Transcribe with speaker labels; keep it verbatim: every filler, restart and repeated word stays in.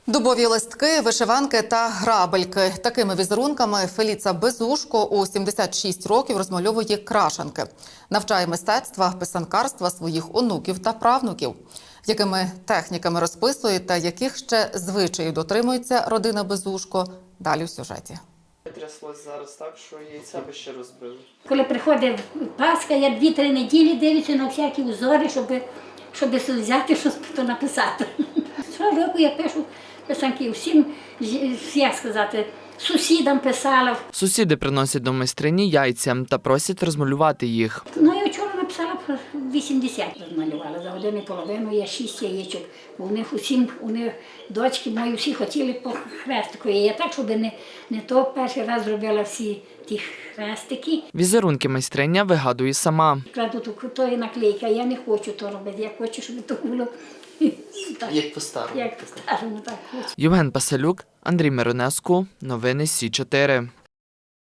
Speaker 1: Дубові листки, вишиванки та грабельки. Такими візерунками Феліца Безушко у сімдесят шість років розмальовує крашанки. Навчає мистецтва, писанкарства своїх онуків та правнуків. Якими техніками розписує та яких ще звичаїв дотримується родина Безушко – далі в сюжеті.
Speaker 2: Тряслось зараз так, що яйця би ще розбили.
Speaker 3: Коли приходить Пасха, я дві-три неділі дивлюся на всякі узори, щоб, щоб взяти щось то написати. Щороку я пишу писанки всім, як сказати, сусідам писала.
Speaker 4: Сусіди приносять до майстрині яйця та просять розмалювати їх.
Speaker 3: Ну, я вчора написала про вісімдесят розмалювала. За годину і половину я шість яєчок. У них усім, у них дочки мої всі хотіли по хрестику. І я так, щоб не, не то перший раз зробила всі ті хрестики.
Speaker 4: Візерунки майстриня вигадує сама.
Speaker 3: Кладу тут тої наклейки, а я не хочу то робити. Я хочу, щоб то було так,
Speaker 2: Як по-старому.
Speaker 3: як по-старому, так хочу.
Speaker 4: Євген Пасалюк, Андрій Миронеску. Новини Сі чотири.